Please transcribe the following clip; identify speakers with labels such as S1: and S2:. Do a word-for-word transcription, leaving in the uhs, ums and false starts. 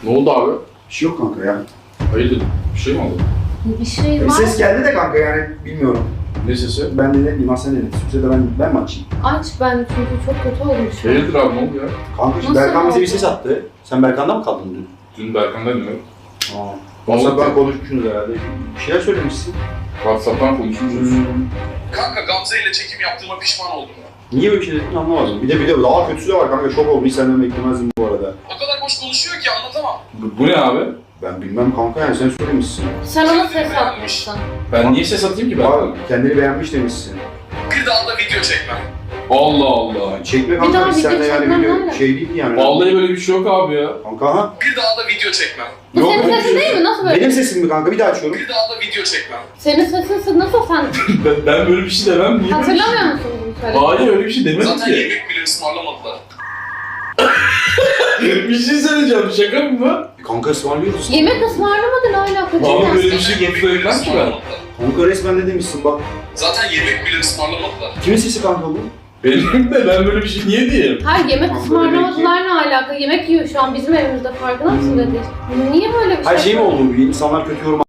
S1: Ne oldu abi?
S2: Bir şey yok kanka ya.
S1: Hayırdır? Bir şey mi oldu?
S3: Bir şey
S2: Bir
S3: var.
S2: ses geldi de kanka yani bilmiyorum.
S1: Ne sesi?
S2: Ben de ne bileyim sen ne dedin? Sürse de ben, ben mi açayım?
S3: Aç ben çünkü çok kötü oldum şu an.
S1: Hayırdır abi ne oldu ya?
S2: Kanka şimdi
S3: Nasıl
S2: Berkan bize bir
S3: oldu?
S2: ses attı. Sen Berkan'da mı kaldın dün?
S1: Dün Berkan'dan mı?
S2: Aa.
S1: Ne oldu?
S2: WhatsApp'tan konuşmuşsunuz herhalde. Bir şeyler söylemişsin.
S1: WhatsApp'tan konuşmuşuz.
S2: Hmm.
S4: Kanka Gamze ile çekim yaptığıma pişman oldum.
S2: Niye böyle bir şey dedin anlamadım. Bir de bir de daha kötüsü de var kanka. Şok oldum. Hiç senden beklemezdim bu arada.
S4: O kadar boş konuşuyor ki anlatamam.
S1: Bu, bu ne abi?
S2: Ben bilmem kanka yani sen söylemişsin.
S3: Sen ona ses atmışsın.
S1: Ben niye ses atayım ki ben?
S2: Abi kendini beğenmiş demişsin.
S4: Bir daha da video çekmem.
S1: Allah Allah.
S2: Yani çekme
S3: Bir
S2: kanka
S3: daha
S2: biz
S3: video
S2: seninle yani
S3: çekmem
S2: video
S3: nerede?
S2: şey değil yani.
S1: Vallahi böyle bir şey yok abi ya.
S2: Kanka ha?
S4: Bir daha da video çekmem.
S3: Bu
S2: Yok,
S3: senin
S2: öyle bir
S3: sesin
S2: şey
S3: değil mi? Nasıl böyle?
S2: Benim sesim mi kanka? Bir daha açıyorum.
S4: Bir daha da video çekmem.
S3: Senin sesin nasıl sen?
S1: Ben, ben böyle bir şey demem. Niye böyle bir şey?
S3: Hatırlamıyor musun bunu söylediğini?
S1: Hayır öyle bir şey demedim
S4: Zaten
S1: ki.
S4: yemek bile ısmarlamadılar.
S1: Bir şey söyleyeceğim. Şaka mı bu?
S2: Kanka ısmarlıyoruz.
S3: Yemek ısmarlamadın hala
S1: Abi
S3: kaçırmaz.
S1: böyle bir şey söylemem ki ben.
S2: Kanka resmen ne demişsin bak.
S4: Zaten yemek bile ısmarlamadılar.
S2: Kimin sesi kanka bu?
S1: Benim de ben böyle bir şey niye diyeyim?
S3: Hayır yemek
S2: Kanka
S3: ısmarlamadılar ne alaka? Yemek yiyor şu an bizim evimizde farkında mısın dedi. Niye böyle bir şey?
S2: Her şey mi oldu? Bir insanlar kötü yorum